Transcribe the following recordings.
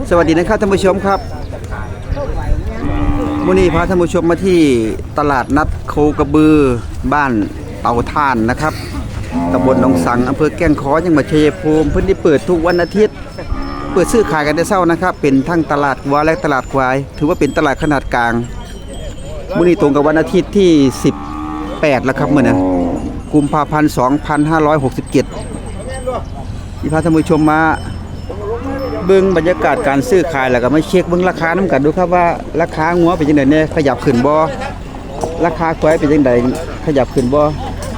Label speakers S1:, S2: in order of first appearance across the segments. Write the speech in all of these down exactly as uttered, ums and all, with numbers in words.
S1: สวัสดีนะครับท่านผู้ชมครับวันนี้พาท่านผู้ชมมาที่ตลาดนัดโคกระบือบ้านเตาถ่านนะครับตำบลหนองสังอำเภอแก้งค้อจังหวัดชัยภูมิพื้นที่เปิดทุกวันอาทิตย์เปิดซื้อขายกันได้เช้านะครับเป็นทั้งตลาดวัวและตลาดควายถือว่าเป็นตลาดขนาดกลางวันนี้ตรงกับวันอาทิตย์ที่สิบแปดแล้วครับมื้อนี้กุมภาพันธ์สองพันห้าร้อยหกสิบเจ็ดที่พาท่านผู้ชมมาเบิ่งบรรยากาศการซื้อขายแล้วก็มาเช็คเบิ่งราคานํกันดูครับว่าราคางัวเป็นจังได๋แน่ขยับขึ้นบ่ราคาควายเป็นจังได๋ขยับขึ้นบ่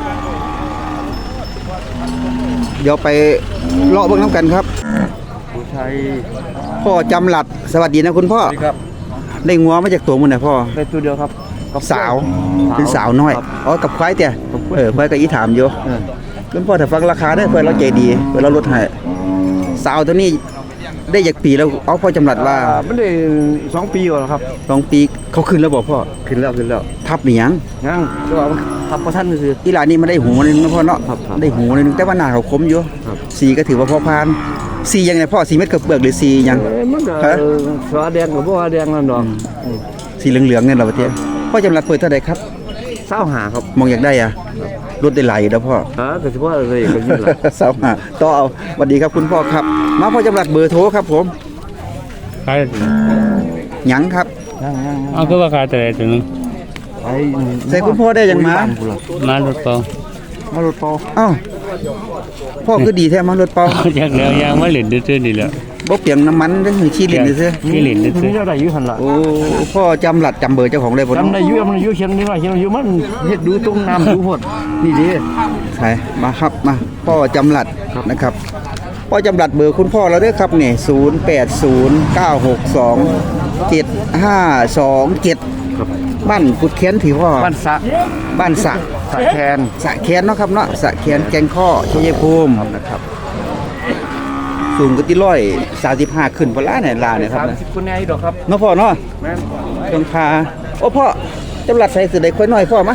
S1: เดี๋ยวไปเลาะเบิ่งนํกันครับผู้ชัยพ่อจำหลัดสวัสดีนะคุณพ่อสวัสดีครับได้งัวมาจากตัวมื้อน่ะพ่อ
S2: ได้ตัวเดียวครับ
S1: สาวเป็นสาวน้อยอ๋อกับควายเตี้ยเออควายก็อีถามอยู่คุณพ่อถ้าฟังราคาได้เพิ่นเราใจดีเพิ่นเราลดให้สาวตัวนี้ได้จากปีแล้วเอาพ่อจำหลัดว่า
S2: มันได้สองปีแล้วครับ
S1: สองปีเขาขึ้นแล้วบอกพ่อ
S2: ขึ้นแล้วขึ้นแล้ว
S1: ทับหรือยัง
S2: ยังก็ว่าทับบ่ทันซื่อ
S1: กีฬานี้มันได้หูนึงนะพ่อเนาะได้หูนึงแต่ว่าหน้าเขาคมอยู่สีก็ถือว่าพอผ่านสียังไงพ่อสีเม็ดกระเบือกหรือสียัง
S2: มันก็สวาแดงกับบ่แดงนั่นดอก
S1: สีเหลืองๆเนี่ยเราประเทศพ่อจำหลัดเปิดเท่าใดครับ
S2: เศร้าหาครับ
S1: มองอยากได้อ่ะรถได้ไหลแล้วพ่อ
S2: ฮะก็สิว่าอะไรก็ยิ่งล่ะ
S1: เศร้าหาต่อเอาสวัสดีครับคุณพ่อครับมาพ่อจำหลัดเบอร์โทรครับผม
S3: ขาย
S1: หยังครับ
S3: เอาก็ว่าขายแต่ตัวนึง
S1: ใส่คุณพ่อได้ยังม
S3: ามารถเปล่
S1: มารถเปล่าอ้าวพ่อคือดีแท้มารถเปล่า
S3: จากแล้วยางมาเหรียญดื้อๆนี่แหละ
S1: บ่เปลี่ยนน้ำมันเด้อขี้เหรียญซื่อ
S3: ขี้เหรียญดื้อ
S2: ๆเจ้าได้อยู่หั่นล่ะ
S1: โอ้พ่อจำหลัดจำเบอร์เจ้าของได้บ่
S2: จำได้อยู่มันอยู่เขียนนี่ว่าเขียนอยู่มันเฮ็ดดูตรงน้ำดูหดนี่ดิ
S1: ใช่มาครับมาพ่อจำหลัดนะครับพ่อจำหลัดเบอร์คุณพ่อเราเด้อครับนี่ศูนย์ แปด ศูนย์ เก้า หก สอง เจ็ด ห้า สอง เจ็ดบ้านกุดแค้นที่พ่อ
S2: บ้านสะ
S1: บ้านสะ
S2: สะแคน
S1: สะแคนเนาะครับเนาะสะแคนแกงข้อชัยภูมินะครับสูงก็ที่ร้อยสามสิบห้าขึ้นพอละเนี่ยลาเนี่ยครับ
S2: สามสิบคนแน่ดอกครับ
S1: เนาะพ่อเนาะ
S2: แม่น
S1: ต้องพาโอ้พ่อจำหลัดใส่สุดใดค่อยน้อยพ่อมะ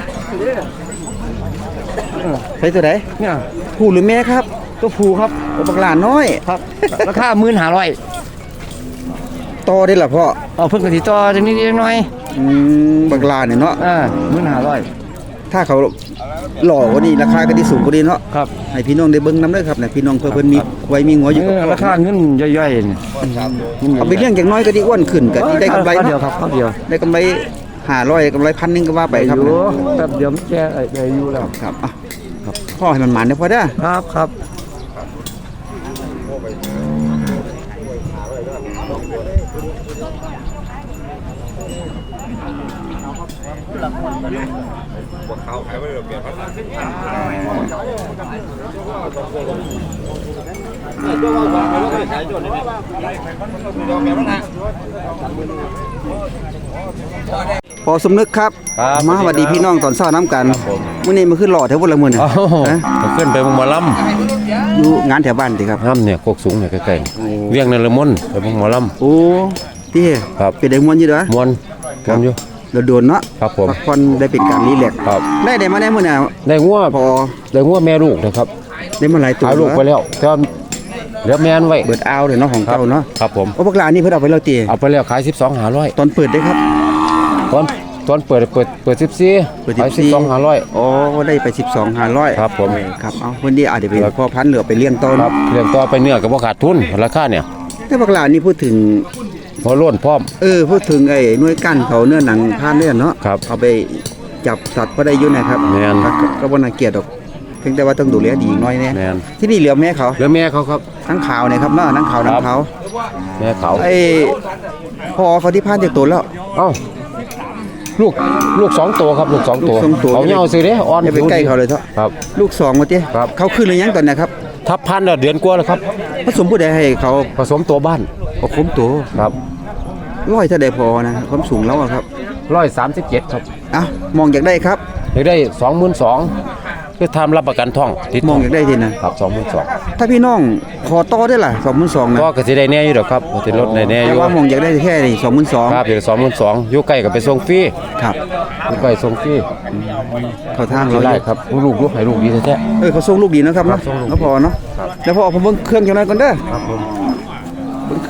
S1: ใส่สุดใด
S2: เนี่ย
S1: ผู้หรือแม่ครับ
S2: ตัวผู้ครับ
S1: ตัวบักหลานน้อย
S2: ครับราคาหนึ่งหมื่นห้าร้อย
S1: ต่อได้ล่ะพ่อ
S2: เอาเพิ่นก็สิต่อจังนิดหน่อย
S1: อืมบักหลานเนี่ยเนาะ
S2: อ่าหนึ่งหมื่นห้าร้อย
S1: ถ้าเขาหล่อกว่านี้ราคาก็ที่สูงกว่านี้เนาะ
S2: ครับ
S1: ให้พี่น้องได้เบิ่งนำเด้อครับเนี่ยพี่น้องเพิ่นมีไว้มีหัวอยู่
S2: ราคาเงินย่อยๆนี่
S1: เอาไปเลี้ยงอย่างน้อยก็ดีอ้วนขึ้นก็ได้กำไร
S2: เดียวครับเดียว
S1: ได้กำไรห้าร้อยกำไรพันนึงก็ว่าไปครับ
S2: แป๊บเดียวมันแก่ได้อยู่แล้ว
S1: ครับอ่ะครับพ่อให้มันหมานเด้อพ่อเด้อ
S2: ครับครับ
S4: เขาขายไปเปลี่ยนพันธุ์
S1: พอสมนึกครับมาสวัสดีพี่น้องตอนเช้าน้ำกันมื้อนี้มาขึ้นหล่อแถวบุรีรัมย์เนี่ย
S4: ขึ้นไปหมอลำ
S1: อยู่งานแถวบ้านดิครับ
S4: ลำเนี่ยโคกสูงเนี่ยใกล้ๆเวียงนรมนไปหมอลำ
S1: โอ้พี่ครับเป็นได้มวนอยู่เด้อ
S4: มวนมวนอยู่
S1: เราโดนเนาะ
S4: ครับผม
S1: พักผ่อนได้เป็นการรีแลกซ์ได้ได้มาได้มื้อน่ะ
S4: ได้งัวพอได้งัวแม่ลูกนะครับ
S1: ได้มาหลายตัว
S4: เอาลูกไปแล้วตอนเหลือแม่นไว้
S1: เปิดเอาเลยเนาะของเก่าเนาะ
S4: ครับผม
S1: โอ้พวกหลานนี่เพิ่นเอาไปแล้วติ
S4: เอาไปแล้วขายสิบสองห้าร้อย
S1: ตอนเปิดได้ครับ
S4: ตอนตอนเปิดเปิดเปิดสิบสี่
S1: เปิดสิบสองห้าร้อยอ๋อได้ไปสิบสองห้าร้อย
S4: ครับผม
S1: ครับเอาวันนี้อาจจะเป็นพ่อพันธุ์เหลือไปเลี้ยงต้น
S4: ครับเลี้ยงต่อไปเนื้อก็บ่ขาดทุนราคาเนี่ย
S1: แต่พวกหลานนี่พูดถึง
S4: พอล้นพร้อม
S1: เออพูดถึงไอ้หน่วยกั้นเขาเนื้อหนังพานเนี่ยเนาะเอาไปจับสัตว์ก็ได้อยู่นะครับก็บ่น่าเกลียดดอกเพียงแต่ว่าต้องดูแลดีอีกน้อยแน่ที่นี่เหลือแม่เขา
S4: เหลือแม่เขาครับ
S1: ทั้งขาวเนี่ยครับเนาะทั้งขาวทั้งเขา
S4: แม่เขา
S1: ไอ้พอเขาที่พานจากตัวแล้ว
S4: เอ้าลูกลูกสองตัวครับลูกสองตัวเขาเงาสิเด้อ่อน
S1: ไปใกล้เขาเลยเถอะ
S4: ครับ
S1: ลูกสองมาเจ้เขาขึ้นหรือยังตอนนี้ครับ
S4: ทับพันธุ์เดือนกว่าแล้วครับ
S1: ผสมผู้ใดให้เขา
S4: ผสมตัวบ้าน
S1: ผสมตัว
S4: ครับ
S1: ร้อยเท่าใดพอนะความสูงแล้วครับ
S4: ร้อยสามสิบเจ็ดครับ
S1: อ่ะมองอยากได้ครับ
S4: อยากได้สองหมื่นสองคือทำรับประกันท่อง
S1: มองอยากได้ทีนะครับ
S4: สองหมื่นสอง
S1: ถ้าพี่น้องขอต่อได้ล่ะสองหมื่นสองนะ
S4: ก็กระสีได้แน่อยู่หรอกครับกระสีลดได้แน่อยู่
S1: ว่ามองอยากได้แค่นี้สองหมื่นสอง
S4: ครับเดี๋ยวสองหมื่นสองอยู่ใกล้กับไปส่งฟรี
S1: ครับ
S4: อยู่ใกล้ส่งฟรี
S1: เขาทางเรา
S4: ได้ครับลูกลูกให้ลูกดีแท้
S1: เออเขาส่งลูกดีนะครับเนาะแล้วพอเนาะแล้วพอผมเบิ่งเครื่องจังนั้นก่อนเด้อ
S4: ครับผม
S1: เบิ่งเค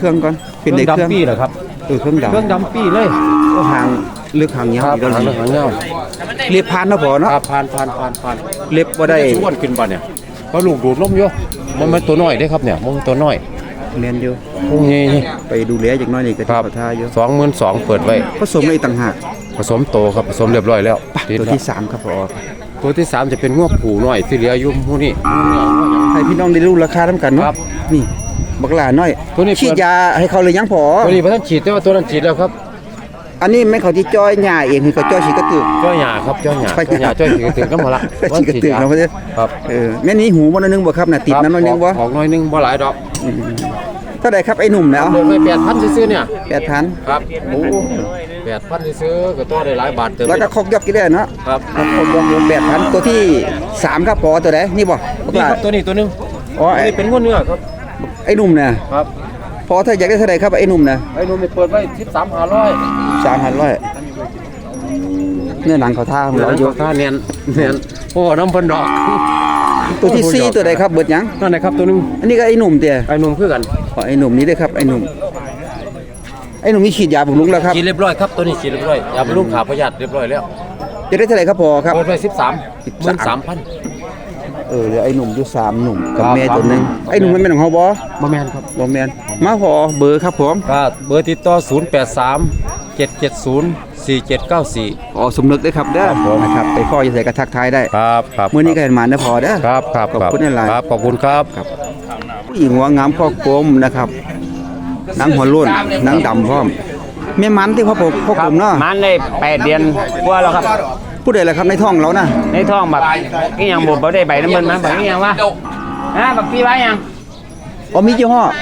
S1: เครื่องก่อนเป็นในเครื่อง
S4: ดำปีเหรอครับ
S1: เออเครื่องดำ
S4: เครื่องดำปีเลย
S1: โอ้หางเลือกหางยาว
S4: ครับ
S1: อีกแล้ว
S4: หาง
S1: นี่
S4: หางเงา
S1: เล็บพานเนาะพอเนาะ
S4: ครับผ่านผ่านผ่านผ่าน
S1: เล็บบ่ได้
S4: ชวนขึ้นบ่เนี่ยเพราะลูกดูดลมอยู่มันเป็นตัวน้อยเด้ครับเนี่ยมันตัวน้อย
S1: แม่นอยู่
S4: พวกนี้นี่
S1: ไปดูแลจักหน้อยนี่ก็
S4: ค
S1: ที่
S4: รับ
S1: เขาท่าอยู่
S4: สองหมื่นสองเปิดไว้
S1: ผสมในต่างหาก
S4: ผสมโตครับผสมเรียบร้อยแล้ว
S1: ไป
S4: ติด
S1: ตัว
S4: แล้ว
S1: ที่สามครับพอ
S4: ตัวที่สามจะเป็นงวผูน้อยที่เหลืออยู่พวกนี้
S1: ให้พี่น้องได้รู้ราคานํกันเนาะ
S4: ครับ
S1: นี่บักหลาน้อย
S4: ตัวนี้เปิด
S1: ฉีดยาให้เขาเลยยังพอ
S4: ตัวนี้พระท่านฉีดแต่ว่าตัวนั้นฉีดแล้วครับ
S1: อันนี้แม่นเขาที่จ้อยหญ้าเองคือเขาจ้อยฉีดกระตือ
S4: จ้อยหยาครับจ้อยหยา
S1: จ้
S4: จ้
S1: อ
S4: อย ย
S1: ห
S4: ห
S1: ยา
S4: ยาจ้อยฉีดถึงน้ำมาละ
S1: ฉีดกระตือเนาะเพิ่น
S4: ครับ
S1: เออแม่นนี้หูบ่น้อยนึงบ่ครับน่ะติดน้ำน้อยนึงบ่
S4: ออกน้อยนึงบ่หลายดอก
S1: เท่าใดครับไอ้หนุ่มแล้ว
S4: เปิดไปแปดพันซื้อๆเนี่ย
S1: แปดพัน
S4: ครับโอ้แปดพันซื้อๆก็ตัวได้หลายบาทเติม
S1: แล้วก็คอกยอกกี่ได้เนาะ
S4: ครับ
S1: คอกยอกแปดพันตัวที่สามครับพอตัวใดนี่บ่บัก
S4: นี่
S1: หลา
S4: ครับตัวนี้ตัวหนึง
S1: อ๋อ
S4: อัน
S1: ไอ้
S4: นี้เป็นงวดเนื้อครับ
S1: ไอ้หนุ่มน่ะ
S4: ครับ
S1: พอถ้าอยากได้เท่าใดครับไอ้หนุ่มน่ะ
S4: ไอ้นุ่มนี่เปิดไว้สิบสามห้าร้อย
S1: สามพันร้อยเนื้อหนังเขาท่าของ
S4: เรา
S1: เราอ
S4: อยู่ ยู่ค่าเนียนเนียนโอ้น้ำเพิ่นดอก
S1: ตัวที่สี่ตัวใดครับเบิดหยัง
S4: นั่นนะครับตัวหนึง
S1: อันนี้ก็ไอ้หนุ่มเตี้ย
S4: ไอ้นุ่มคือกัน
S1: ขอไอ้หนุ่มนี้ด้วยครับไอ้หนุ่มไอ้หนุ่มนี่ฉีดยาบำรุงแล้วครับ
S4: ฉีดเรียบร้อยครับตัวนี้ฉีดเรียบร้อยยาบำรุงขาประหยัดเรียบร้อยแล้ว
S1: จะได้เท่าไหร่ครับพอครับ
S4: เปิดไว้สิบสามหมื่นสามพัน
S1: เออเหลือไอ้หนุ่มอยู่สามหนุ่มกับ
S4: ครับ
S1: แม่ตัวหนึงไอ้หนุ่มมันเป็นของเฮาบ่
S4: บ่แม่นครับ
S1: บ่แม่นมาพอเบอร์ครับผม
S4: ก็เบอร์ติดต่อศูนย์ แปด สาม เจ็ด เจ็ด ศูนย์ สี่ เจ็ด เก้า สี่
S1: อ๋อสมนึกด้วยครับเด้อ
S4: ครับผม
S1: นะครับไปพ่อจะใส่กระทักทายได้
S4: ครับครับ
S1: มื้อนี้ก็เห็นมาเด้อพอเด้อ
S4: ครับครับ
S1: ขอบคุณหลายๆ
S4: ครับขอบคุณครับ
S1: ผู้หญิงหัวงามพ่อกลมนะครับหนังหัวโล้นหนังดำพร้อมแม่มันที่พ่อผมพ่อกลมเนาะ
S2: มันได้แปดเดือนกว่าแล้วครับ
S1: ผู้ใดล่ะครับในท้องเรานะ
S2: ในท้องแบบนี่ยังบ่บ่ได้ใบน้ำมันนะแบบนี้ยังวะฮะแบบพี่ไว้ยัง
S1: อ๋อมียี่ห้อ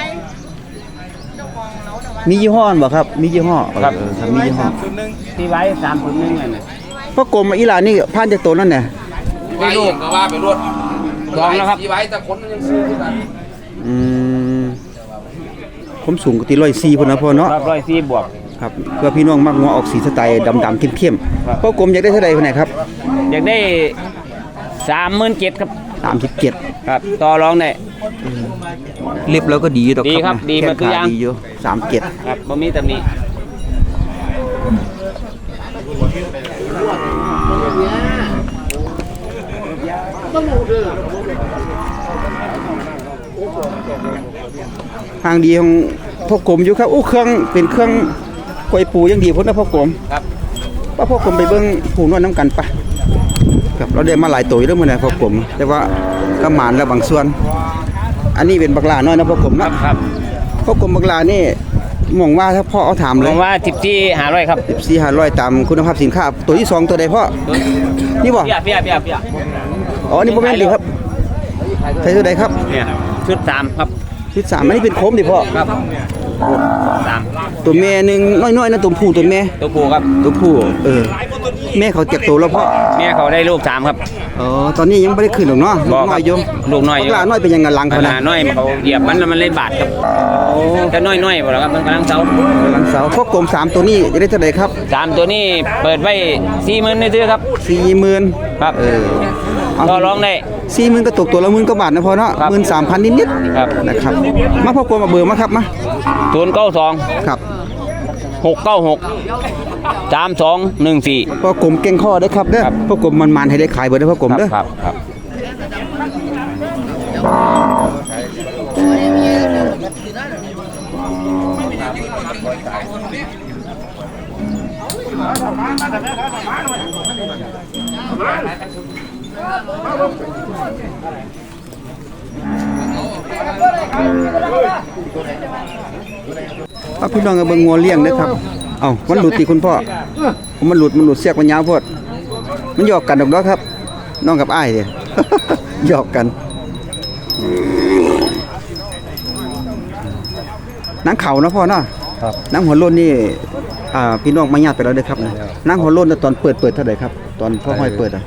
S1: มียี่ห้อบ่ครับมียี่ห้อครับมียี่ห้อ
S2: พี่ไว้สามคนนึงน่ะ
S1: พ่อกลมอีหลานนี่ผ่านจากตัวนั่นแหละ
S4: ไปลูกก็ว่าไปรถ
S2: ลองแล้วครับ
S4: ที่ไว้แต่คนมันยังซื้อกัน
S1: อืมผมสูงกว่าที่ร้อยสี่พุ่นนะพ่อเนาะ
S2: ครับร้อยสี่บวก
S1: ครับเพื่อพี่น้องมักงัวออกสีสไตล์ดำๆเข้ม
S2: ครับ
S1: ๆพ่อกลมอยากได้เท่าใดพุ่นไหนครับ
S2: อยากได้สามหมื่นเจ็ดครับ
S1: สามสิบเจ็ด
S2: ครับต่อรองได้
S1: เล็บแล้วก็ดีดอก
S2: ดีครับ
S1: นะ
S2: ดีหมดทุกอย่าง
S1: แข้ขดีอยู่สามเจ็ด
S2: ครับบ่มีตำหนิ
S1: ทางดีของพ่อกลมอยู่ครับโอ้เครื่องเป็นเครื่องกล้วยปูยังดีพุ่นนะพ่อกลม
S2: ครับ
S1: ป้าพ่อกลมไปเบิ่งผูนวดน้ำกันปะครับเราได้มาหลายตัวอยู่แล้วมื้อนี้พ่อกลมแต่ว่าก็หมานแล้วบางส่วน อันนี้เป็นบักหลาน้อยนะพ่อกลม
S2: ครั
S1: เนาะ
S2: บครับ
S1: พ่อกลมบักหลานี่มองว่าถ้าพ่อเอาถาม
S2: ผ
S1: เลย
S2: มว่าสิบสี่หาร้อยครับ
S1: สี่ห้าร้อยตามคุณภาพสินค้าตัวที่สองตัวใดพ่อนี่บ่
S2: เปียเปียเปียเปีย
S1: อ๋อนี่บ่แม่นดิครับใช่ตัวใดครับ
S2: เนี่ยชุดสามครับ
S1: ที่สามอันนี้เป็นโคมดิพ่อ
S2: ครับสาม
S1: ตัวแม่หนึงน้อยๆนะตัวผู้ตัวแม่
S2: ตัวผู้ครับ
S1: ตัวผู้เออแม่เขาเจ็บตัวแล้วพ่อ
S2: แม่เขาได้ลูกสามครับ
S1: อ๋อตอนนี้ยังไม่ได้ขึ้นหรอกเนาะลู
S2: บ่
S1: ก
S2: ครับ
S1: น้อยอยู่
S2: ลูกน้อยอยู่
S1: บักหลาน้อยเป็นยังไงหลัง
S2: ข
S1: เขานะ
S2: นาดน้อยเขาเหยียบมันแล้วมันเลยบาดครับแต่น้อยน้อยๆบ่แล้วครับมันกำลังเซาก
S1: ำลังเสาพ่อกลมสามตัวนี้จะได้เท่าไหร่ครับ
S2: สามตัวนี้เปิดไว้สี่หมื่นในซื้อครับ
S1: สี่หมื่น
S2: ครับ
S1: เออ
S2: ก็ร้องได้
S1: สี่หมื่นก็ตกตัวละหมื่นกว่าบาทนะพอเนาะ
S2: ครับ
S1: หมื่นสามพันนิด
S2: ครับ
S1: ๆนะครับมาพ่อกลมมาเบอร์มาครับมา
S2: ศูนย์เก้าสอง
S1: ครับ
S2: หกเก้าหกสามสองหนึ่งสี่
S1: พ่อกลมเก่งข้อเด้อครับเด้อ
S2: ครับ
S1: พ่อกลมมันๆให้ได้ขายเบอร์เด้อพ่อกลมเด้อ
S2: ครับครับ
S1: เอาพี่น้องเอาเบิ่งงัวเลี้ยงเด้อครับเอ้ามันหลุดติคุณพ่อมันหลุดมันหลุดเสียกมันยาวโพดมันหยอกกันดอกเนาะครับ น้องกับอ้ายเด้ หยอกกันหนังเขาเนาะพ่อเนาะ
S4: ครับ
S1: หนังหัวโล้นนี่อ่าพี่น้องมาญาติไปแล้วเด้อครับนะหนังหัวโล้นน่ะตอนเปิดเปิดเท่าไหร่ครับ ตอนพ่อห้อยเปิดอ่ะ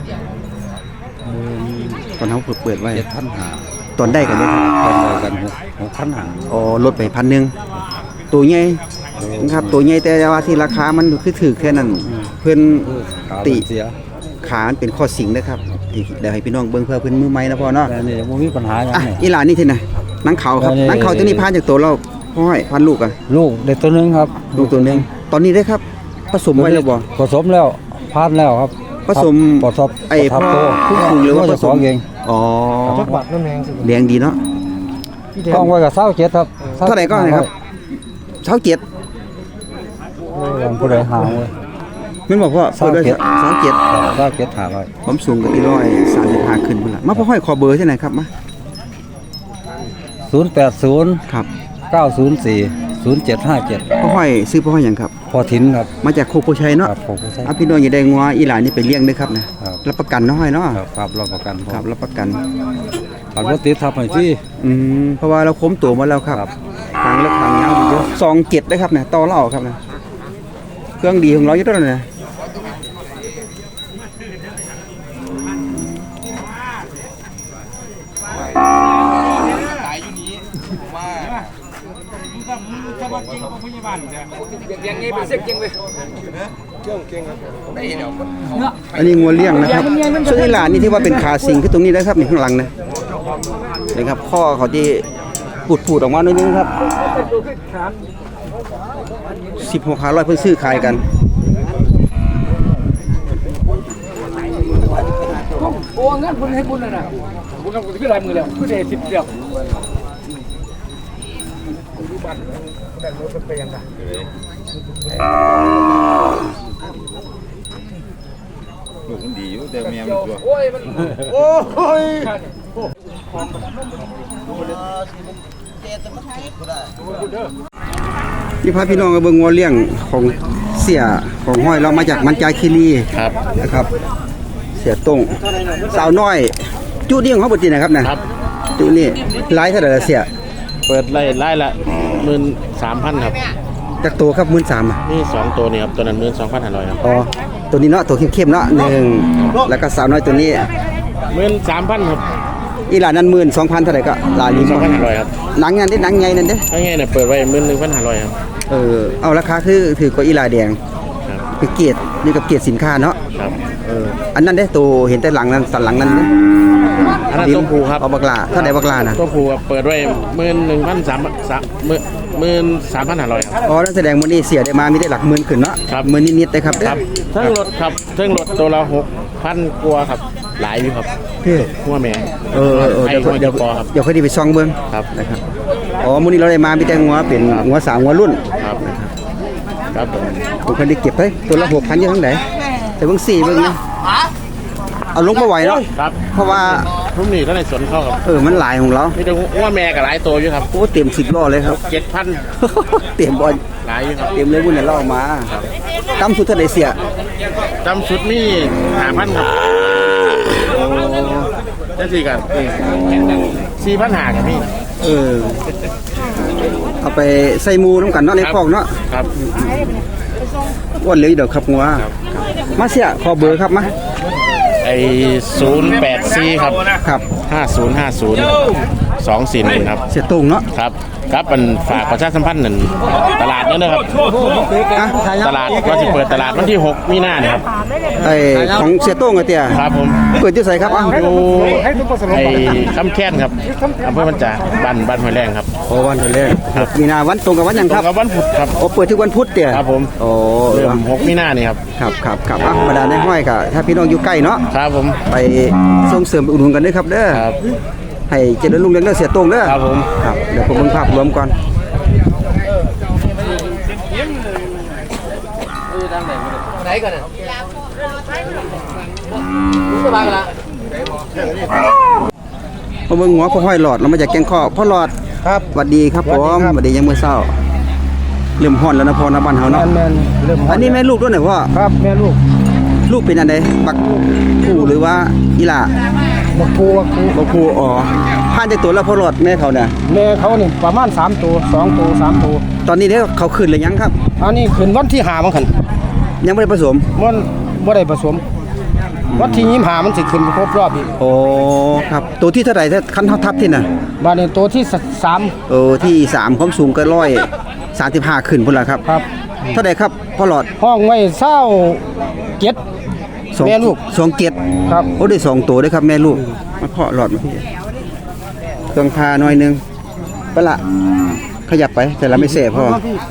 S1: ตอนเฮาเปิดเปิดไว้
S4: เจ็ดพันหา
S1: ตอนได้กันเด้อครับ
S4: ตอนเดียวกันหกพันหา
S1: อ๋อลดไปพันหนึ่งตัวใหญ่นะครับตัวใหญ่แต่ว่าที่ราคามันคือถือแค่นั้น เพิ่นติขามันเป็นข้อสิงนะครับอีกเดี๋ยวให้พี่น้องเบิ่งเพื่อเพิ่นมือใหม่นะพ่อเนาะ
S4: แต่นี่ยังบ่มีปัญหาหยัง
S1: อ่ะ
S4: นี่
S1: อีหลานนี่ที่ไหนหนังเขาครับ
S4: อันนี้
S1: หนังเขาตัวนี้ผ่านจากตัวเราพ่อห้อยพันลูกอ่ะ
S2: ลูกเด็กตัวหนึงครับ
S1: ลูกตัวหนึงตอนนี้ได้ครับผสมไว้แล้วบ่
S2: ผสมแล้วพานแล้วครับ
S1: ผสม
S2: ผสม
S1: ไอ้
S2: ทับ
S1: พ่อ
S2: โต
S1: ผู้คุมหรือว่าผ
S2: จะ
S1: ส
S2: สอ
S1: ม
S2: งเอง
S1: อ๋อ
S2: จักบาทน้ำแมงสิ
S1: เลี้ยงดีเนาะ
S2: ต้องไว้กับเศร้าเจ็ดครับ
S1: เท่าไหร่ก็นะครับเช้าเจ็ด
S2: วันผู้ใดหาไว้
S1: มันบอกว่าเปิดด้วยเช้าเจ็ด
S2: เศร้าเจ็ดหาไว้
S1: ผมสูงกับอีร้อยสามสิบห้าขึ้นพุ่นละมาพ่อห้อยขอเบอร์ที่ไหนครับมา
S2: ศูนย์แปดศูนย์
S1: ครับ
S2: เก้าศูนย์สี่ศูนย์เจ็ดห้าเจ็ด
S1: พ่อห้อยซื้อพ่อห้อยหยังครับ
S2: พอถินครับ
S1: มาจากโคโพชัยเนาะ
S2: ครับผมก็ใช่
S1: อ่ะพี่น้องอย่าได้งัวอีหลานนี่ไปเลี้ยงด้วยครับนะครับ รับประกันเนาะห้อยเนาะ
S2: ครับครับรับประกัน
S1: ครับรับประกัน
S2: ขับรถติดทับให้ที่
S1: อืมเพราะว่าเราค้มตัวมาแล้วครับทางเลือกทางยาวอยู่เยอะสองเจ็ดได้ครับเนี่ยต่อเหล่าครับนะเครื่องดีของเราอยู่ตัวนั้นนะอันนี้งัวเลี้ยงนะครับส่วนอีหลานนี่ที่ว่าเป็นขาสิงคือตรงนี้นะครับนี่ข้างหลังนะนะครับข้อเขาที่ปูดปูดออกมาหน่อยนึงครับสิบหกขาร้อยเพิ่งซื้อขายกันโอ้งั้นคุณให้คุณนะนะคุณทำคุณที่ลายมือแล้วคุณได้สิบเดียวลูกมันดีอยู่แต่แม่มันตัวโอ้ยมันโอ้ยนี่พาพี่น้องมาเบิ่งงัวเลี้ยงของเสียของห้อยเรามาจากมันจาคีรีครับนะครับ เสียต้งสาวน้อยจุนี่ของเขาปกตินะครับนะครับจุนี่ไล่เท่าไหร่ละเสีย
S3: เปิดไล่ไล่ละหมื่นสามพันครับ
S1: จากตัวครับหมื่นสามอ่ะ
S3: นี่สองตัวนี่ครับตัวนั้นหมื่นสองพันห้าร้อยครับ
S1: อ๋อตัวนี้เนาะตัวเข้มๆเนาะหนึ่งแล้วก็สาวน้อยตัวนี้
S3: หมื่นสามพันครับ
S1: อีหลานนั้นหมื่นสองพันเท่าไหร่ก็หลานนี้
S3: สองพันห้าร้อยครับ
S1: หนังงานได้หนังไงนั่นเด้
S3: ถ้าไงเนี่ยเปิดไว้หมื่นหนึ่งพันห้าร้อยครับ
S1: เออเอาราคาคือถือกว่าอีหลาแดง
S3: ครับ
S1: เป็นเกียรตินี่กับเกียรติสินค้าเนาะ
S3: ครับ
S1: เอออันนั้นเด้ตัวเห็นแต่หลังนั้นสันหลังนั้นเด้
S3: อันนั้นตัวผูครับ
S1: เอาบักลาเท่าไหร่บักลาน่ะ
S3: ตัวผูครับเปิดไว้หมื่นหนึ่งพันสามสามหมื่นหมื่นสามพันห้าร้อยครับ
S1: อ๋อนั่นแสดงว่านี่เสียได้มามีได้หลักหมื่นขึ้นเนาะ
S3: ครับ
S1: หมื่นนิดๆได้ครับเด้อ
S3: ครับเทิงรถครับเทิงรถตัวละหกพันกว่าครับหลายอยู่ครับ
S1: เฮ้ย
S3: หัวแม่
S1: เออเออเออ
S3: ให้
S1: เดี๋ยว
S3: หัว
S1: เดี๋ยว
S3: จะปอครับ
S1: เดี๋ยวค่อยไดีไปซองเบิ่ง
S3: ครับ
S1: นะครับอ๋อมื้อนี้เราได้มามีแต่งัวเป็นงัวสาวงัวรุ่น
S3: ครับครับผม
S1: ผมเคยได้เก็บไว้ตัวละหกพันอยู่ทั้งไหนแต่เบิ่งสี่เบิ่งนะเอาลงมาไหวเนาะ
S3: ครับ
S1: เพราะว่า
S3: รุ่มนี้ก็ในสวนเข้าครับ
S1: เออมันหลายของเรา
S3: มีแต่หัวแม่กับหลายตัวอยู่ครับ
S1: โอ้เต็มสิบล้อเลยครับ
S3: เจ็ดพัน
S1: เต็มบอล
S3: หลายอยู่ครับ
S1: เต็มเลยบุญเนี่ยเราเอามาตั้มสุดเท่าไหร่เสีย
S3: จำชุดนี่หาพันครับจะสี่กันสี่พันหากับพี่
S1: เออเอาไปใส่หมูน้ำกันเนาะในคอกเนาะ
S3: ครับ
S1: อ้วนเลยเดี๋ยวขับงัวมาเสียขอเบอร์ครับมา
S3: ไอศูนย์แปดสี่ครับ
S1: ครับ
S3: ห้าศูนย์ห้าศูนย์สองสี่หนึ่งครับ
S1: เสียตรงเนาะ
S3: ครับครับมันฝากประชาสัมพันธ์หนึ่งตลาดเนี่ยนะครับ
S1: อ่ะ
S3: ตลาดก็จะเปิดตลาดวันที่หกมีนาเนี่ยครับ
S1: ไอของเสียโต้งอะเตี้ย
S3: ครับผม
S1: เปิดที่ใส่ครับอ่ะ
S3: อยู่ไอ้คำแค้นครับอำเภอมันจาบ้านบ้านห้วยแรงครับ
S1: โอ้วันเท่าไหร่มีนาวันตรงกับวันหยัง
S3: ต
S1: ค
S3: ร
S1: รั
S3: ง
S1: บ
S3: กับวันพุธครับ
S1: โอ้เปิดทุกวันพุธเตี้ย
S3: ครับผม
S1: โอ้
S3: เริ่มหกมีนาเนี่ยครับ
S1: ครับครับครับอ่ะบรรดาในห้อยกะถ้าพี่น้องอยู่ใกล้เนาะ
S3: ครับผม
S1: ไปส่งเสริมไปอุดหนุนกันด้วยครับเด้อ
S3: ครับ
S1: ให้เจริญรุ่งเรืองเด้อเสียโต้งเด้อ
S3: ครับผม
S1: ครับเดี๋ยวผมเบิ่งภาพรวมก่อนมาเบิ่งหัวพ่อห้อยหลอดเรามาจากแกงข้อพ่อหลอด
S2: ครับ
S1: สวัสดีครับผมสวัสดียังมื้อเช้าเริ่มฮ้อนแล้วนะพ่อนะบ้านเฮา
S2: แม
S1: เนาะ
S2: นแมนเริ่ม
S1: อันนี้แม่ลูกด้วยเหรอพ่อ
S2: ครับแม่ลูก
S1: ลูกเป็นอันใดบักผู้หรือว่าอีหล่า
S2: บักปูบักปู
S1: บักผู้อ๋อผ่านจากตัวแล้วพ่อหลอดแม่เขาเนี่ย
S2: แม่เขานี่ประมาณสามตัวสองตัวสามตัว
S1: ตอนนี้เด้อเขาขึ้นหรือยังครับ
S2: อันนี้ขึ้นวันที่หามั้งคัน
S1: ยังไม่ได้ผสม
S2: มันบ่ได้ผสม วันที่ยี่สิบห้ามันสิขึ้นครบรอบอีก
S1: โอ้ครับตัวที่เท่าไหร่ถ้าคันเท่าทับที่น่ะ
S2: บาดนี้ตัวที่สาม
S1: โอ้ที่สามความสูงก็ร้อยสามสิบห้าขึ้นพุ่นละครับ
S2: ครับ
S1: เท่าไหร่ครับพ่อหลอด
S2: ห้องไว้เศร้าเจ็ด
S1: สอง
S2: แม่ลูก
S1: สองเจ็ด
S2: ครับ
S1: โอ้ได้สองตัวด้วยครับแม่ลูกมาพ่อหลอดมาพี่เครื่องพาหน่อยหนึงไปละขยับไปแต่เราไม่เสพพอ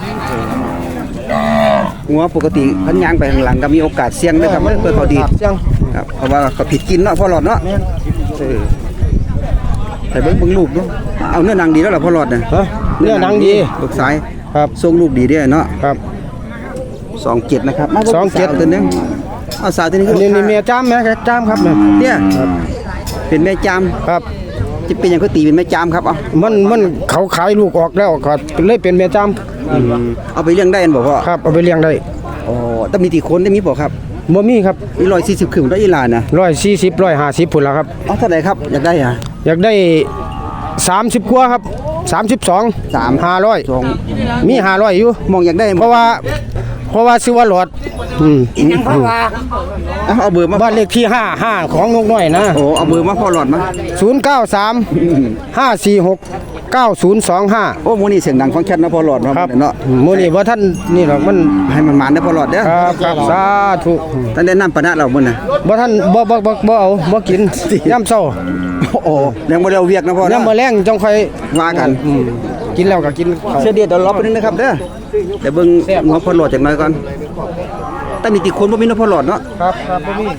S1: งัวปกติพันยางไปข้างหลังก็มีโอกาสเสี่ยงด้วยครับเพื่อเขาดี
S4: เสียง
S1: ครับเพราะว่าเขาผิดกินเนาะพ่อหลอดเนาะเออแต่เบิ่งเบิ่งลูกเนาะเอาเนื้อหนังดีแล้วล่ะพ่อหลอดน่ะ
S4: ฮะเนื้อหนังดี
S1: ลูกซ้าย
S4: ครับ
S1: ทรงลูกดีด้วยเนาะ
S4: ครับ
S1: สองเจ็ดนะครับมา
S4: สองเจ็ด
S1: สาวตัวนึงเอาสาวตัวนี้
S4: อันนี้นี่เมียจ้ามแม่จ้ามครับเนี่ย
S1: เนี่ยเป็นแม่จาม
S4: ครับ
S1: จะเป็นหยังเขาตีเป็นแม่จามครับเอา
S4: มันมันเขาขายลูกออกแล้วก็เลยเป็นเมียจ้าม
S1: เอาไปเลี้ยงได้อันบอกว่า
S4: ครับเอาไปเลี้ยงได้
S1: อ๋อต้องมีตีคนได้มีบอกครับ
S4: บ่มีครับ
S1: มีร้อยสี่สิบขึ้นได้อีหลานนะ
S4: ร้อยสี่สิบร้อยห้าสิบพุ่นละครับ
S1: เอาเท่าไหร่ครับอยากได้อ่ะ
S4: อยากได้สามสิบกว่าครับสามสิบสอง
S1: สาม
S4: ห้าร้อย
S1: สอง
S4: มีห้าร้อยอยู่
S1: มองอยากได้
S4: เพราะว่าเพราะว่าซื้อว่าหลอดอืม
S1: เอาเอาเบอร์มา
S4: บ้านเลขที่ห้าห้าของนกน้อยนะ
S1: โอ้เอาเบอร์มาพ่อหลอดมา
S4: ศูนย์เก้าสามห้าสี่หกเก้าศูนย์สองห้า
S1: โอ้โมนี่เสียงดังฟังชัดนะพ่อหลอดเนาะ
S4: ครับ
S1: เนาะ
S4: โมนี่ว่าท่านนี่หรอกมัน
S1: ให้มันมันได้อพ่อหลอดเด้อ
S4: ครับครับสาธุ
S1: ท่านได้นำปะนะเรามื้อน่ะ
S4: บ่ท่านบ่บ่บ่บ่เอาบ่กินย่ำเช้า
S1: โอ้ยังบ่ได้เอาเวียกนะพ่อ
S4: ย่ำ
S1: นะ
S4: มื้อแรงจังค่อย
S1: ว่ากัน
S4: อืมกินแล้วก็กินข้าว
S1: เสียเดียดเดี๋ยวรอแป๊บนึงนะครับเด้อเดี๋ยวเบิ่งหัวพ่อหลอดจักหน่อยก่อนแต่มีติคนบ่มีนะพ่อหลอดเนาะ
S4: ครับครับบ่มี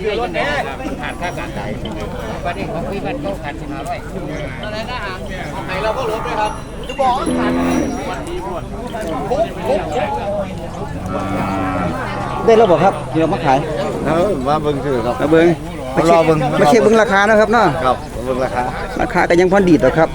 S1: ได้แล้วบ่ครับเดี๋ยวมาขาย
S3: เออมาเบิ่งถือครับ
S1: มาเบิ่งมาเช็ค
S3: รอเบิ่ง
S1: มาเช็คเบิ่งราคานะครับเนาะ
S3: ครับเบิ่งราคา
S1: ราคาก็ยังพอดีดหรอกครับ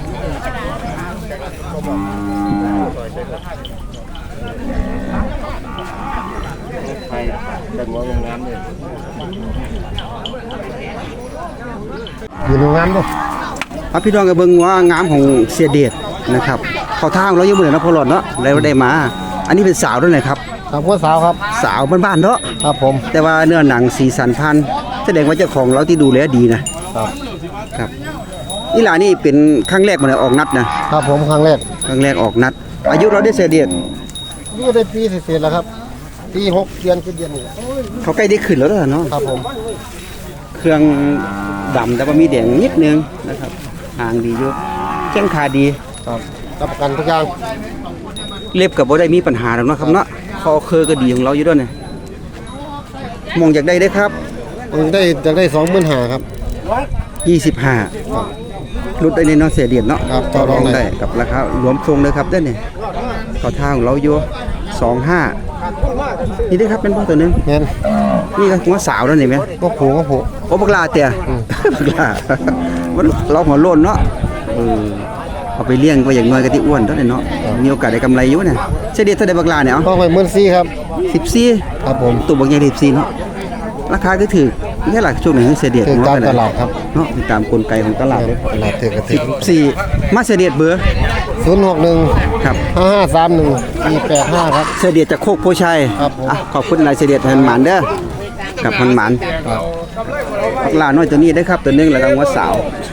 S4: อยู่โรงงานบ่
S1: เอาพี่น้องก็เบิ่งว่างามของเสียเดชนะครับเขาทางเราอยู่มื้อนี้นะพ่อหลอดเนาะแล้วได้มา อันนี้เป็นสาวด้วยนะครับ
S4: ครับพ่อสาวครับ
S1: สาวบ้านๆเนาะ
S4: ครับผม
S1: แต่ว่าเนื้อหนังสีสันพันธุ์แสดงว่าเจ้าของเราที่ดูแลดีนะครับ ครับนี่ล่ะนี่เป็นครั้งแรกมาเลยออกนัดนะครับ
S4: ผมครั้งแรก
S1: ครั้งแรกออกนัด อายุเราได้เสียเดช
S4: นี่ได้ปีเศษๆแล้วครับปีหกเดือน7เดือนนี่
S1: เขาใกล้ได้ขึ้นแล้วเนาะ
S4: ครับผม
S1: เครื่องดำแต่ว่ามีแดงนิดนึงนะครับหางดีอยู่แข้งขาดี
S4: ครับรับประกันทุกอย่าง
S1: เล็บกับบ่ได้มีปัญหาหรอกเนาะครับเนาะคอเคอก็ดีของเราอยู่ด้วยเนี่ยมองอยากได้ได้ครับ
S4: ผมได้จะได้สองหมื่นห้าครับ
S1: ยี่สิบห้ารุดได้ในเนาะเสียเดียดเนาะ
S4: ครับต่อรองได้
S1: กับราคารวมทรงเลยครับเด้อเนี่ยเขาทางของเราอยู่สองห้านี่ได้ครับเป็นพ่อตัวหนึง
S4: แม่น
S1: นี่ก็หัวสาวแล้วนี่ไหม
S4: ก็ผูก็ผู
S1: โอ้บักลาเตี่ยบักลามันเราหัวโล้นเนาะเออเอาไปเลี้ยงก็อย่างน้อยก็ที่อ้วนเท่านั้นเนาะมีโอกาสได้กำไรอยู่เนี่ยเสียเดียดเท่าใดบักลาเนี่ยเอา
S4: ต้องไปหมื่นสี่ครับ
S1: สิบสี่
S4: ครับผม
S1: ตัวบางอย่างสิบสี่เนาะราคาก็ถือแค่หลักช่วงไหนเสียเดียด
S4: ถึง
S1: ของ
S4: ตา
S1: เร
S4: มตลาดครับ
S1: เนาะติดตามกลไกของตลาดเลย
S4: ตลาดถือกระ
S1: สิ
S4: ถิ่
S1: บสี่มาเสียเดียดเบอร์
S4: ศูนย์หกหนึ่ง
S1: ครับ
S4: ห้าห้าสามหนึ่งสี่แปดห้าครับ
S1: เสียเดียดจากโคกโพชัย
S4: ครับผม
S1: อ่ะขอบคุณนายเสียเดียดแทนหมานเด้อกับพันหมาน
S4: ครับ
S1: ปักลาน้อยตัวนี้ได้ครับตัวหนึงแล้วก็หัวสาว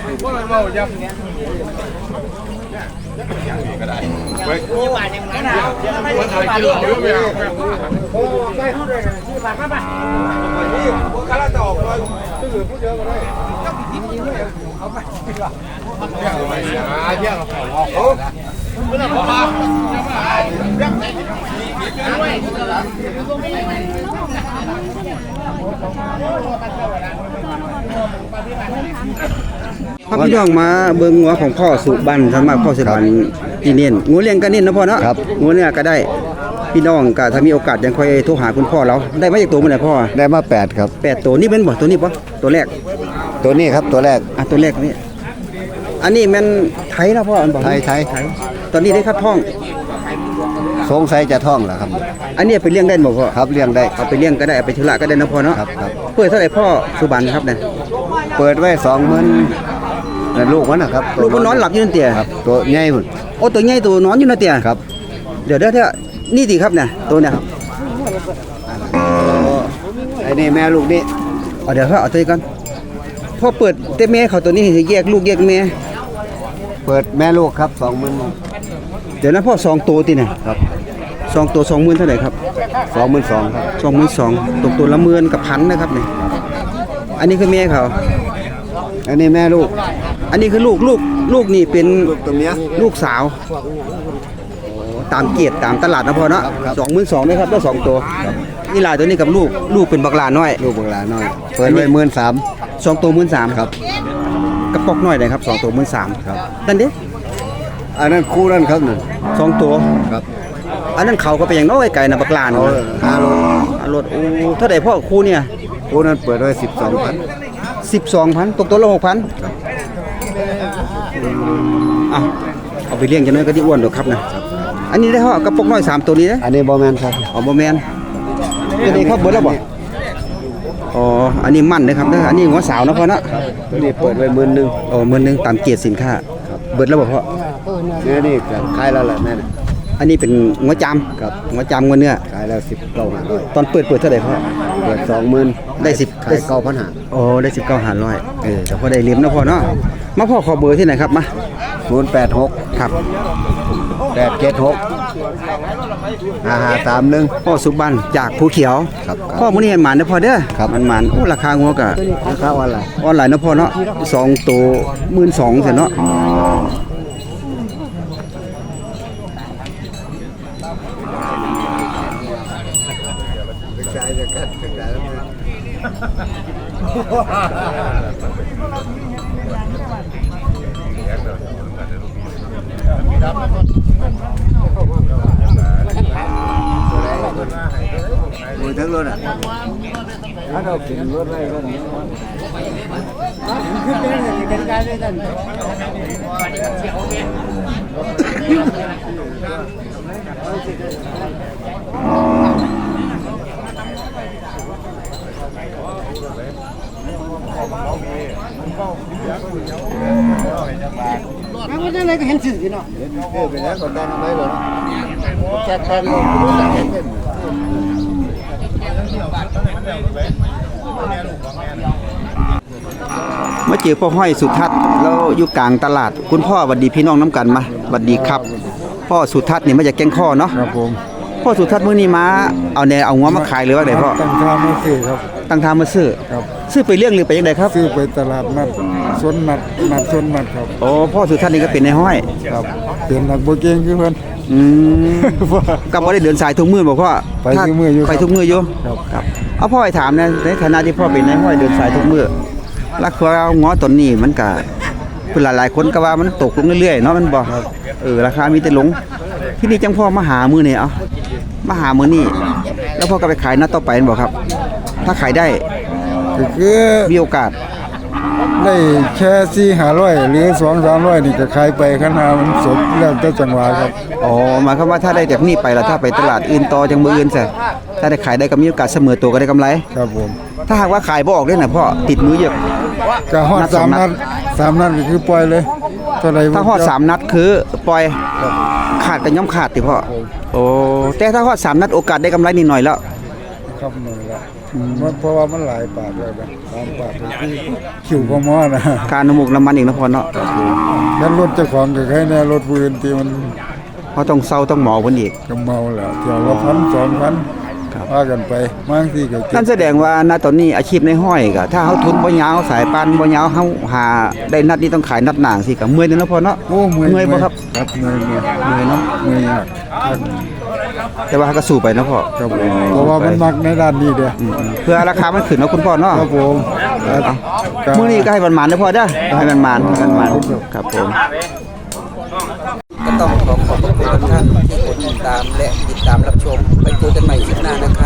S1: พาพี่น้องมาเบิ่งงัวของพ่อสุบันสำหรับพ่อสุบันอีเนียนงูเลี้ยงก็เน้นนะพ่อเนาะ
S5: ครับ
S1: งูเนี่ยก็ได้พี่น้องก็ถ้ามีโอกาสยังค่อยโทรหาคุณพ่อเราได้มาจากตัวมันไหนพ่อ
S5: ได้มาแปดครับ
S1: แปดตัวนี่เป็นบ่ตัวนี้ปะตัวแรก
S5: ตัวนี้ครับตัวแรก
S1: อ่ะตัวแรกนี่อันนี้แมันไทยนะพ่ออันบอก
S5: ไทยไทย
S1: ตอนนี้ได้ครับท้อง
S5: สงสัยจะท่องแหละครับ
S1: อันนี้ไปเลี้ยงได้บ่พ่อ
S5: ครับเลี้ยงได้
S1: เอาไปเลี้ยงก็ได้เอาไปธุระก็ได้นะพ่อเนาะ
S5: ครับครับ
S1: เปิดเท่าไหร่พ่อสุบันครับเนี่ย
S5: เปิดไว้สองหมื่นลูกมันนะครับ
S1: ลูกมันนอนหลับอยู่นั่นเตี่ย
S5: ครับ ตัวใหญ่หุ่น
S1: โอ้ตัวใหญ่ตัวนอนอยู่นั่นเตี่ย
S5: ครับ
S1: เดี๋ยวเดี๋ยวเดี๋ยวนี่สิครับเนี่ยตัวเนี่ย
S5: ไอ้นี่แม่ลูกนี่
S1: เอาเดี๋ยวเขาเอาตัวนี้ก่อนพ่อเปิดเต้แม่เขาตัวนี้ให้แยกลูกแยกแม่
S5: เปิดแม่ลูกครับสองหมื่น
S1: เดี๋ยวนะพ่อสองตัวติเนี่ย
S5: ครับ
S1: สองตัวสองหมื่นเท่าไหร่ครับ
S5: สองหมื่นสองครับ
S1: สองหมื่นสองตกตัวละหมื่นกับพันนะครับเนี่ยอันนี้คือแม่เขา
S5: อันนี้แม่ลูก
S1: อันนี้คือลูกลูกลูกนี่เป็น
S5: ลูกตัวเมีย
S1: ลูกสาว
S5: โ
S1: ตามเกียรติตามตลาดนะพ่อเนาะสองหมื่นสองไหมครับได้สองตัวนี่ลายตัวนี้กับลูกลูกเป็นบักลาน้อย
S5: ลูกบังลาน้อย เปิดไว้หมื่นสาม
S1: สองตัวหมื่นสาม
S5: ครับ
S1: กระปอกน้อยเลยครับสองตัวหมื่นสาม
S5: ครับ
S1: นั่นเด้
S5: อันนั้นคู่นั่นครับนั่น
S1: สองตัว
S5: ครับ
S1: อันนั้นเขาก็เป็นอย่างน้อยไก่นะบักลาน
S5: เอาห้าโล
S1: รถโอ้เท่าไหร่พ่อครูเนี่ย
S5: คู่นั้นเปิดไว้สิบสองพัน
S1: สิบสองพันตกตัวละหกพัน
S5: ครับ
S1: อ่ะเอาไปเลี้ยงจะน้อยก็ที่อ้วนดอกครับนะอันนี้ได้พ่อกระปอกน้อยสามตัวนี้นะ
S5: อันนี้บอแมนครับ
S1: อ๋อบ่แมนตัวนี้ครับเบิดแล้วบ่อ๋ออันนี้มั่นนะครับเด้ออันนี้หัวสาวนะพ่อเนาะ
S5: ตัวนี้เปิดไว้หมื่นหนึ่ง
S1: อ๋อหมื่นหนึงตามเกียรติสินค้าเบิดแล้วบ่พ่อ
S5: เนี่ยนี่ก็ขายแล้วแหละแม่น่ะ
S1: อันนี้เป็นหัวจาม
S5: ครับ
S1: หัวจามหัวเนื้อ
S5: ขายแล้วสิบเก้าห้าร้อย
S1: ตอนเปิดเปิดเท่าไหร่พ่อ
S5: เปิดสองหมื่น
S1: ได้สิบ
S5: ขายเก้าพันห้า
S1: โอ้ได้สิบเก้าหารร้อยเออแต่พอได้เลี้ยมนะพ่อเนาะมาพ่อขอเบอร์ที่ไหนครับมา
S5: ศูนย์แปดหก
S1: ครับ
S5: แปดเจ็ดหกห้าห้าสามหนึ่ง
S1: พ่อสุบันจากภูเขียว
S5: ครับ
S1: พ่อมื้อนี้ให้หมานเด้อพ่อเด้อ
S5: ครับ
S1: มันหมานโอ้ราคางัวก็
S5: ราคาวันละ
S1: ออนไลน์นะพ่อเนาะสองตัวหมื่นสองเสร็จเนาะ
S5: โอ้ยทั้งรถอ่ะถ้าเราขึ้นรถไว้ก็นี้
S2: มันอะไรก็เห็นสื่อเนาะ
S5: เออไปแล้วก็ได้ทำไมบ่จัดการลงรู้จักเห็นเป็น
S1: มาเจอพ่อห้อยสุทัศน์แล้วอยู่กลางตลาดคุณพ่อหวัดดีพี่น้องน้ำกันมาหวัดดีครับ พ่อสุทัศน์นี่มาจากแก่งข้อเนาะ
S2: ครับผม
S1: พ่อสุทัศน์มื้อนี้มาเอาแนวเอางัวมาขายหรือว่าไดพ่อ
S2: ตั้งท่าไม่ซื้อครับ
S1: ตั้งทางมาซื้อ
S2: ครับ
S1: ซื้อไปเลี้ยงหรือไปยังไงครับ
S2: ซื้อไปตลาดนัดสวนนัดนัดสวนนัดครับ
S1: โอ้พ่อสุทัศน์นี่ก็เป็นในห้อย
S2: ครับเป็นนักโบเก่งคือเพิ่น
S1: อืมก็บ่ได้เดินสายทุกมื้อบ่พ่อ
S2: ไปทุกมื้ออยู่ครับ
S1: ไปทุกมื้ออยู่
S2: ครับ
S1: ครับเอาพ่อให้ถามนะในฐานะที่พ่อเป็นในห้อยเดินสายทุกมื้อราคางัวตนนี้มันก็เพิ่นหลายๆคนก็ว่ามันตกลงเรื่อยๆเนาะมันบ่เออราคามีแต่ลงที่นี่จังพ่อมาหามื้อนี่เอามาหามื้อนี้แล้วพ่อก็ไปขายนัดต่อไปแม่นบ่ครับ ถ้าขายได้
S2: ก็คือ
S1: มีโอกาส
S2: ได้แค่สี่ห้าร้อยหรือสองสามร้อยนี่ก็ขายไปขนาดมันสดแล้วแต่จังหวะครับ
S1: อ๋อหมายความว่าถ้าได้จากนี้ไปแล้วถ้าไปตลาดอื่นต่อจังมืออื่นซะถ้าได้ขายได้ก็มีโอกาสเสมอตัวก็ได้กำไร
S2: ครับผม
S1: ถ้าหากว่าขายบ่ออกเลยน่ะพ่อติดมือเยอะ
S2: ก็ฮอด
S1: นัดส
S2: สา
S1: อง
S2: ม
S1: นั
S2: นั
S1: ด
S2: ดสามนัดก็คือปล่อยเลยเท่าไหร่
S1: ถ้าฮอดสามนัดคือปล่อยขาดก็ย่อมขาดติพ่อโอ้แต่ถ้าฮอดสามนัดโอกาสได้กำไรนิดหน่อยแล้ว
S2: ครับหน่อยละมันเพราะว่ามันหลายปากแล้วนะสามปากก็คือคิวก็มอนะ
S1: การน้ำมูกน้ำมันอีกนะพ่อเนาะ
S2: แล้วรถเจ้าของก็แค่เนี่ยรถปืนที่มัน
S1: เพราะต้องเซาต้องหมอเพิ่นอีก
S2: ก็เมาแล้วเที่ยวละพันสองพันว่ากันไปบางทีก็เก็
S1: นั่
S2: บ
S1: นแสดงว่าณตอนนี้อาชีพในห้อยก็ถ้าเฮาทุนบ่ยาวสายปานบ่ยาวเฮาหาได้นัดนี้ต้องขายนัดหนางสิก็เมื่อยเด้อเนาะพ่อเนาะ
S2: โอ้เมื่อย
S1: เมื่อยบ่ครับ
S2: ครับเมื่อยเมื่อย
S1: เมื่อยเนาะ
S2: เมื่อยมากครับ
S1: แต่ว่าก็สู้ไปเนาะพ่อ
S2: ครับผมเพราะว่ามันมักในด้านนี้เด้อ
S1: เพื่อราคามันขึ้นเนาะคุณพ่อเนาะ
S2: ครับผมครับ
S1: มื้อนี้ก็ให้มันหมานเด้อพ่อเด้อให้มันหมานให้มันหมานครับผมก็ต้องขอขอบคุณทุกท่านที่กดติดตามและติดตามรับชมไปเจอกันใหม่คลิปหน้านะครับ